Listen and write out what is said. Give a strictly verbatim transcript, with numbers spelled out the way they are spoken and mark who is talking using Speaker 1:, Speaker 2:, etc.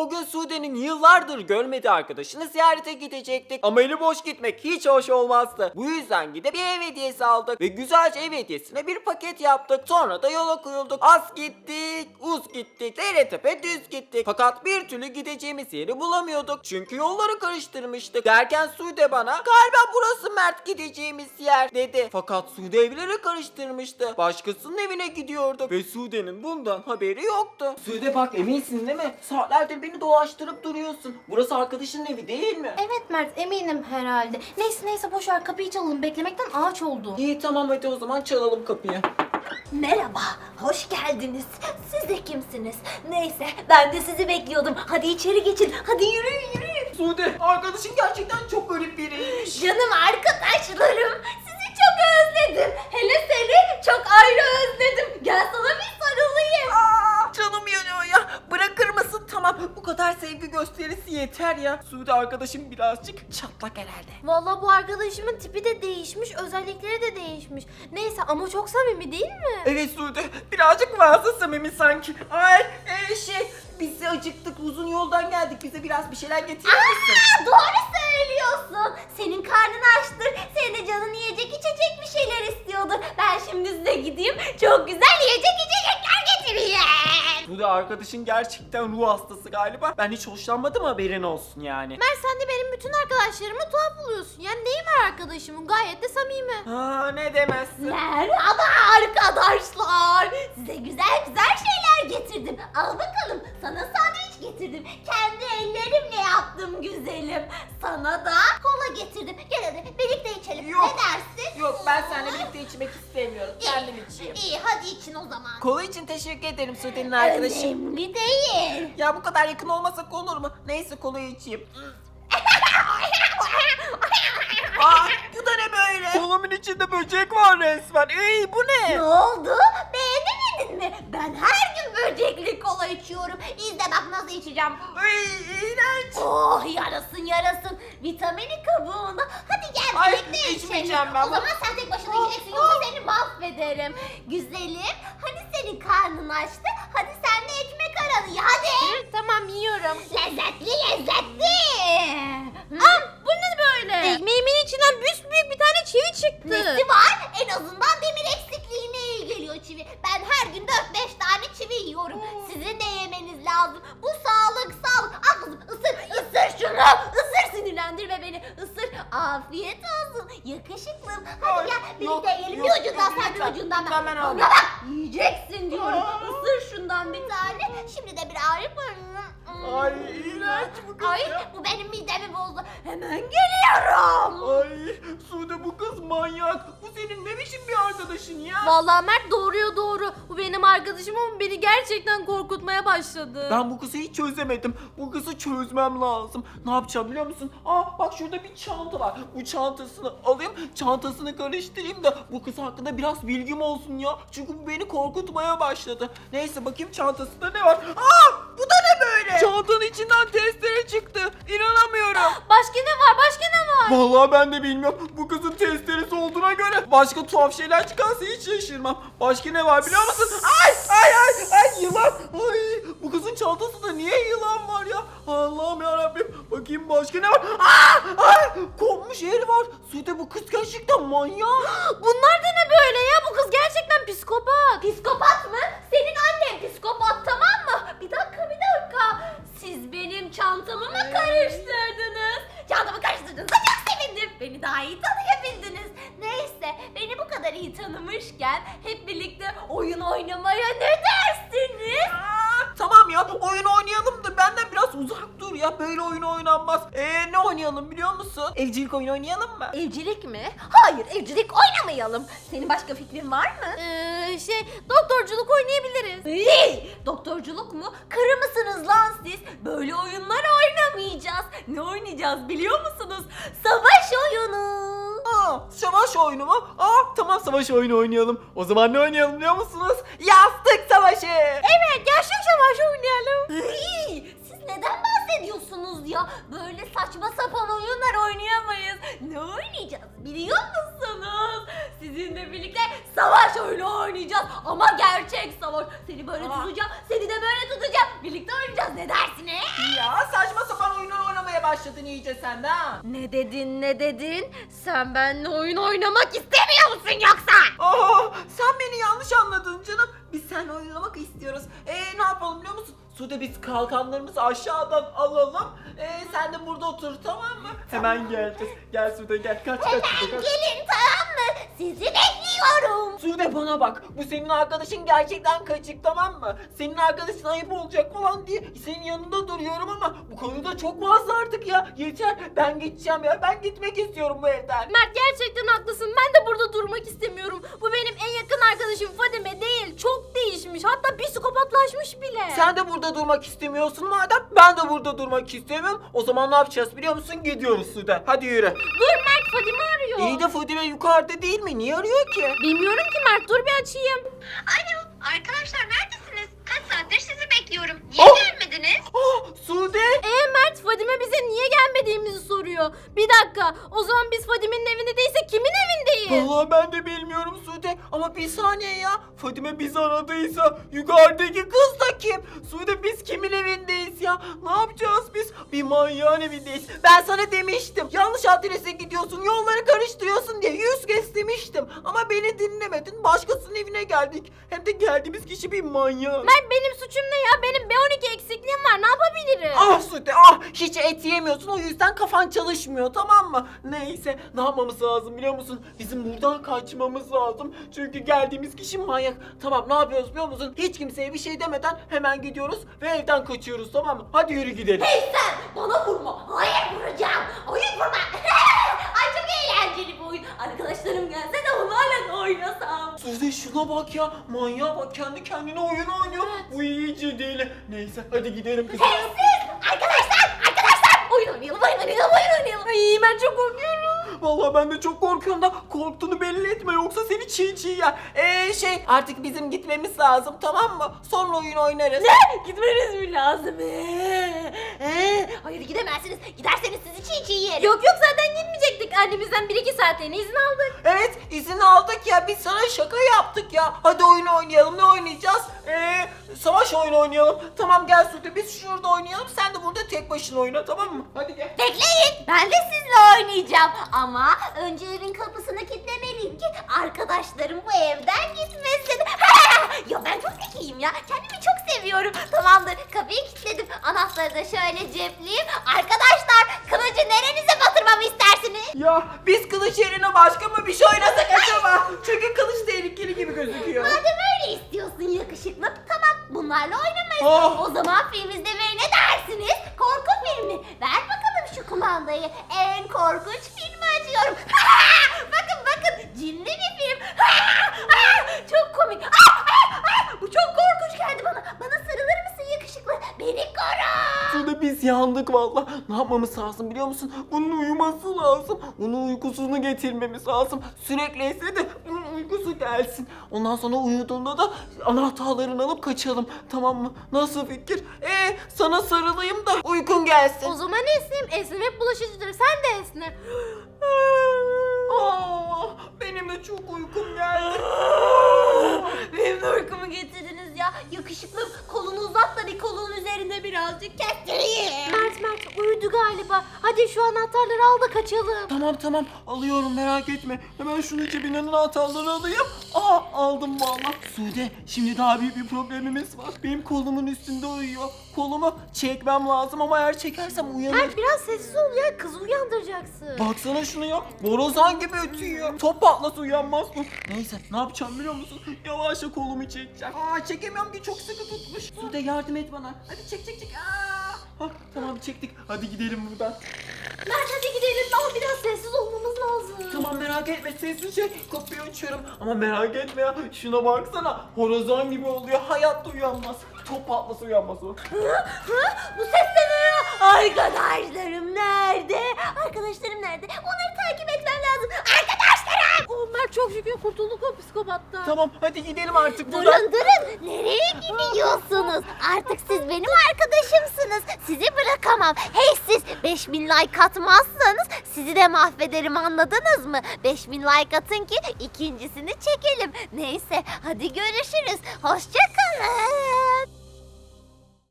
Speaker 1: O gün Sude'nin yıllardır görmediği arkadaşını ziyarete gidecektik. Ama eli boş gitmek hiç hoş olmazdı. Bu yüzden gidip bir ev hediyesi aldık ve güzelce ev hediyesine bir paket yaptık. Sonra da yola koyulduk. Az gittik, uz gittik, dere tepe düz gittik. Fakat bir türlü gideceğimiz yeri bulamıyorduk. Çünkü yolları karıştırmıştık. Derken Sude bana galiba burası Mert gideceğimiz yer dedi. Fakat Sude evleri karıştırmıştı. Başkasının evine gidiyorduk ve Sude'nin bundan haberi yoktu. Sude bak, eminsin değil mi? Saatlerdir beni dolaştırıp duruyorsun. Burası arkadaşının evi değil mi?
Speaker 2: Evet Mert, eminim herhalde. Neyse neyse boş ver, kapıyı çalalım, beklemekten ağaç oldu.
Speaker 1: İyi tamam, hadi o zaman çalalım kapıyı.
Speaker 3: Merhaba, hoş geldiniz. Siz de kimsiniz? Neyse, ben de sizi bekliyordum. Hadi içeri geçin, hadi yürüyün yürüyün.
Speaker 1: Sude, arkadaşın gerçekten çok garip biriymiş.
Speaker 3: Canım arkadaşlarım, sizi çok özledim. Hele seni çok ayrı özledim. Gel sana bir sarılayım.
Speaker 1: Aa, canım yanıyor ya. Bırakır mısın? Tamam, bu kadar sevgi gösterisi yeter ya. Sude arkadaşım birazcık çatlak herhalde.
Speaker 2: Vallahi bu arkadaşımın tipi de değişmiş, özellikleri de değişmiş. Neyse ama çok samimi değil mi?
Speaker 1: Evet Sude, birazcık fazla samimi sanki. Ay e, şey, biz de acıktık, uzun yoldan geldik, bize biraz bir şeyler getirir misin?
Speaker 3: Aa, doğru söylüyorsun. Senin karnın açtır. Senin de canın yiyecek içecek bir şeyler istiyordur. Ben şimdi size gideyim. Çok güzel yiyecek içecekler getireyim.
Speaker 1: Sude arkadaşın gerçekten ruh hastası galiba. Ben hiç hoşlanmadım, haberin olsun yani.
Speaker 2: Mert, sen de benim bütün arkadaşlarımı tuhaf buluyorsun. Yani neyi var arkadaşımın? Gayet de samimi.
Speaker 1: Ha, ne demezsin.
Speaker 3: Merhaba arkadaşlar. Size güzel güzel şeyler getirdim. Al bakalım. Sana sandviç getirdim. Kendi ellerimle yaptım güzelim. Sana da kola getirdim. Gel hadi birlikte içelim.
Speaker 1: Yok.
Speaker 3: Ne dersin?
Speaker 1: Yok, ben seninle birlikte içmek istemiyorum. Kendim içeyim.
Speaker 3: İyi hadi için o zaman.
Speaker 1: Kola için teşekkür ederim Sude'nin arkadaşı.
Speaker 3: Önemli değil.
Speaker 1: Ya bu kadar yakın olmasak olur mu? Neyse, kolayı içeyim. Aa, bu da ne böyle? Kolamın içinde böcek var resmen. Ey, bu ne?
Speaker 3: Ne oldu? Beğenemedin mi? Ben her gün böcekli kola içiyorum. İzle bak nasıl içeceğim.
Speaker 1: Ay, iğrenç.
Speaker 3: Oh yarasın yarasın. Vitamini kabuğunda. Hadi gel
Speaker 1: Ay,
Speaker 3: birlikte
Speaker 1: içmeyeceğim
Speaker 3: içelim.
Speaker 1: ben
Speaker 3: O
Speaker 1: bunu.
Speaker 3: zaman sen tek başına içeceksin yoksa seni mahvederim. Güzelim. Hani senin karnın açtı. Hadi sen de ekmek aralı ya hadi.
Speaker 2: Hı, tamam yiyorum.
Speaker 3: Lezzetli lezzetli.
Speaker 2: Aa, bu ne böyle? Ekmeğimin içinden büyük bir tane çivi çıktı.
Speaker 3: Nesi var? En azından demir eksikliğine iyi geliyor çivi. Ben her gün dört beş tane çivi yiyorum. Sizin de yemeniz lazım. Bu sağlık sağlık. Al kızım ısır ısır şunu. Isır sinirlendirme beni. Isır. Afiyet olsun. Yakışıklım. Hadi
Speaker 1: Ay,
Speaker 3: gel
Speaker 1: yok,
Speaker 3: birlikte yiyelim.
Speaker 1: yok,
Speaker 3: Bir ucundan
Speaker 1: yok,
Speaker 3: sen bir
Speaker 1: lütfen.
Speaker 3: ucundan
Speaker 1: Lütfen ben
Speaker 3: ben.
Speaker 1: alayım.
Speaker 3: Bana bak. Yiyeceksin diyorum. Isır şundan bir tane. Şimdi de bir arif var.
Speaker 1: Ay, iğrenç bu kız
Speaker 3: Ay
Speaker 1: ya.
Speaker 3: bu benim midemi bozdu. Hemen geliyorum.
Speaker 1: Ay, Sude bu kız manyak. Bu senin ne biçim bir arkadaşın ya?
Speaker 2: Vallahi Mert doğruya doğru. Bu benim arkadaşım ama beni gerçekten korkutmaya başladı.
Speaker 1: Ben bu kızı hiç çözemedim. Bu kızı çözmem lazım. Ne yapacağım biliyor musun? Aa, bak şurada bir çanta var. Bu çantasını alayım, çantasını karıştırayım da bu kız hakkında biraz bilgim olsun ya. Çünkü bu beni korkutmaya başladı. Neyse, bakayım çantasında ne var? Aa, bu da ne böyle? Çantanın içinden testere çıktı. İnanamıyorum.
Speaker 2: Başka ne var? Başka ne var?
Speaker 1: Vallahi ben de bilmiyorum. Bu kızın testeresi olduğuna göre başka tuhaf şeyler çıkarsa hiç şaşırmam. Başka ne var biliyor musun? Ay ay ay ay, yılan. Ay, bu kızın çantasında niye yılan var ya? Allah'ım yarabbim. Bakayım başka ne var? Aa, ay, kopmuş el var. Sude, bu kız gerçekten manyak.
Speaker 2: Bunlar da ne böyle ya? Bu kız gerçekten psikopat.
Speaker 3: Psikopat mı? Senin annen psikopat, tamam mı? Bir dakika bir dakika. Siz benim çantamı mı karıştırdınız? Çantamı karıştırdınız. Çok sevindim. Beni daha iyi tanıyabildiniz. Neyse beni bu kadar iyi tanımışken hep birlikte oyun oynamaya ne dersiniz?
Speaker 1: Aa, tamam ya, oyun oynayalım da benden biraz uzak dur ya. Böyle oyun oynanmaz. Eee ne oynayalım biliyor musun? Evcilik oyunu oynayalım mı?
Speaker 2: Evcilik mi?
Speaker 3: Hayır evcilik oynamayalım. Senin başka fikrin var mı?
Speaker 2: Ee, şey doktorculuk oynayabiliriz.
Speaker 3: Hey, doktorculuk mu? Kırı mısınız lan siz? Böyle oyunlar oynamayacağız. Ne oynayacağız biliyor musunuz? Savaş oyunu.
Speaker 1: Aa, savaş oyunu mu? Aa, tamam, savaş oyunu oynayalım. O zaman ne oynayalım biliyor musunuz? Yastık savaşı.
Speaker 2: Evet, gerçek savaş oynayalım.
Speaker 3: Hey, siz neden bahsediyorsunuz ya? Böyle saçma sapan oyunlar oynayamayız. Ne oynayacağız biliyor musunuz? Sizinle birlikte savaş oyunu oynayacağız. Ama gerçek savaş. Seni böyle
Speaker 1: Aa.
Speaker 3: tutacağım, seni de böyle tutacağım. Birlikte oynayacağız. Ne dersiniz?
Speaker 1: başladın iyice sen de ha.
Speaker 3: Ne dedin ne dedin? Sen benimle oyun oynamak istemiyor musun yoksa?
Speaker 1: Aa, sen beni yanlış anladın canım. Biz seninle oynamak istiyoruz. Ee, ne yapalım biliyor musun? Sude biz kalkanlarımızı aşağıdan alalım. Ee, sen de burada otur tamam mı? Hemen geleceğiz. Gel Sude gel. Kaç kaç Sude kaç.
Speaker 3: Gelin tamam mı? Sizi bekliyorum.
Speaker 1: Sude bana bak. Bu senin arkadaşın gerçekten kaçık tamam mı? Senin arkadaşın ayıp olacak falan diye senin yanında duruyorum ama bu konuda çok fazla artık ya. Yeter. Ben gideceğim ya. Ben gitmek istiyorum bu evden.
Speaker 2: Mert gerçekten haklısın. Ben de burada durmak istemiyorum. Bu benim en yakın arkadaşım Fadime değil. Çok değişmiş. Hatta psikopatlaşmış bile.
Speaker 1: Sen de burada durmak istemiyorsun madem. Ben de burada durmak istemiyorum. O zaman ne yapacağız biliyor musun? Gidiyoruz Sude. Hadi yürü.
Speaker 2: Dur Mert, Fadime arıyor.
Speaker 1: İyi de Fadime yukarıda değil mi? Niye arıyor ki?
Speaker 2: Bilmiyorum ki Mert, dur bir açayım.
Speaker 3: Alo arkadaşlar neredesiniz? Kaç saattir sizi bekliyorum. Niye
Speaker 1: Oh!
Speaker 3: gelmediniz?
Speaker 1: Ah Sude.
Speaker 2: Ee Mert, Fadime bize niye gelmediğimizi soruyor. Bir dakika, o zaman biz Fadime'nin evinde değilse kimin evindeyiz?
Speaker 1: Vallahi ben de bilmiyorum Sude. Ama bir saniye ya. Fadime bizi aradıysa yukarıdaki kız da kim? Sude biz kimin evindeyiz ya? Ne yapacağız biz? Bir manyağın evindeyiz. Ben sana demiştim. Yanlış adrese gidiyorsun. Yolları karıştırıyorsun diye yüz kez demiştim. Ama beni dinlemedin. Başkasının evine geldik. Hem de geldiğimiz kişi bir manyak.
Speaker 2: Mert, benim suçum ne ya? Benim B on iki eksikliğim var, ne yapabilirim?
Speaker 1: Ah Sude ah hiç et yemiyorsun o yüzden kafan çalışmıyor tamam mı? Neyse ne yapmamız lazım biliyor musun? Bizim buradan kaçmamız lazım. Çünkü geldiğimiz kişi manyak. Tamam ne yapıyoruz biliyor musun? Hiç kimseye bir şey demeden hemen gidiyoruz ve evden kaçıyoruz tamam mı? Hadi yürü gidelim.
Speaker 3: Hey sen bana vurma. Hayır vuracağım. Hayır vurma. Ay çok eğlenceli bu oyun. Arkadaşlarım gelse de onlarla da oynasam.
Speaker 1: Sude şuna bak ya manyağa bak kendi kendine oyun oynuyor. Bu iyice deli. Neyse hadi gidelim kızım.
Speaker 3: Siz arkadaşlar arkadaşlar oyun oynayalım oyun oynayalım oyun oynayalım.
Speaker 2: Ay ben çok korkuyorum.
Speaker 1: Vallahi ben de çok korkuyorum da korktuğunu belli etme yoksa seni çiğ çiğ yer. Eee şey artık bizim gitmemiz lazım tamam mı? Sonra oyun oynarız.
Speaker 3: Gitmeniz mi lazım? Ee, ee, hayır gidemezsiniz. Giderseniz sizi çiğ çiğ yerim.
Speaker 2: Yok yok, zaten gitmeyecektik. Annemizden bir iki saatliğine izin aldık.
Speaker 1: Evet izin aldık ya biz sana şaka yaptık ya. Hadi oyun oynayalım ne oynayacağız? Eee savaş oyunu oynayalım. Tamam gel Sude biz şurada oynayalım sen de burada tek başına oyna tamam mı? Hadi gel.
Speaker 3: Bekleyin. Ben de sizle oynayacağım. Ama önce evin kapısını kilitlemeliyim ki arkadaşlarım bu evden gitmesin. Ya ben çok zekiyim ya. Kendimi çok seviyorum. Tamamdır. Kapıyı kilitledim. Anahtarı da şöyle cepleyeyim. Arkadaşlar kılıcı nerenize batırmamı istersiniz?
Speaker 1: Ya biz kılıç yerine başka mı bir şey oynasak acaba? Çünkü kılıç tehlikeli gibi gözüküyor.
Speaker 3: Madem öyle istiyorsun yakışıklı. Tamam bunlarla oynamayız.
Speaker 1: Ah!
Speaker 3: O zaman film izlemeye ne dersiniz? Korku filmi. Ver bakalım şu kumandayı. En korkunç filmi açıyorum. Bakın bakın cinli bir film. Çok komik. Bu çok korkunç geldi bana. Bana sarılır mısın yakışıklı? Beni koru.
Speaker 1: Sude biz yandık valla. Ne yapmamız lazım biliyor musun? Bunun uyuması lazım. Bunun uykusunu getirmemiz lazım. Sürekli etse de bunun uykusu gelsin. Ondan sonra uyuduğunda da anahtarlarını alıp kaçalım. Tamam mı? Nasıl fikir? Ee sana sarılayım da uykun gelsin.
Speaker 2: O zaman esneyim. Esnem hep bulaşıcıdır. Sen de esne.
Speaker 1: Aa, benim de çok uykum geldi.
Speaker 3: Benim de uykumu getirdiniz ya. Yakışıklım kolunu uzat da bir kolun üzerinde birazcık kestireyim.
Speaker 2: Mert Mert uyudu galiba. Hadi şu anahtarları al da kaçalım.
Speaker 1: Tamam tamam alıyorum merak etme. Hemen şunu cebinden anahtarları alayım. Aa aldım valla. Sude şimdi daha büyük bir problemimiz var. Benim kolumun üstünde uyuyor. Kolumu çekmem lazım ama eğer çekersem uyanır.
Speaker 2: Mert biraz sessiz ol ya. Kızı uyandıracaksın.
Speaker 1: Baksana şunu ya. Borazan gibi ötüyor. Top patlasa uyanmaz mı? Neyse ne yapacağım biliyor musun? Yavaşça kolumu çekeceğim. Aa çekemiyorum ki çok sıkı tutmuş. Sude yardım et bana. Hadi çek çek çek. Aa. Hah, tamam çektik. Hadi gidelim buradan.
Speaker 2: Mert hadi gidelim. Ama biraz sessiz olmamız lazım.
Speaker 1: Tamam merak etme sessizce kapıyı açıyorum. Ama merak etme ya. Şuna baksana. Horazan gibi oluyor. Hayatta uyanmaz. Top patlasa uyanmaz o.
Speaker 3: Bu ses de ne ya? Arkadaşlarım nerede? Arkadaşlarım nerede? Onları takip etmem lazım. Arkadaşlarım!
Speaker 2: Oh, Mert çok şükür kurtulduk o psikopattan.
Speaker 1: Tamam hadi gidelim artık buradan.
Speaker 3: Durun durun. Nereye gidiyorsunuz? Artık siz benim arkadaşımsınız. Sizi bırakamam. Hey siz beş bin like atmazsanız sizi de mahvederim anladınız mı? beş bin like atın ki ikincisini çekelim. Neyse hadi görüşürüz. Hoşça kalın.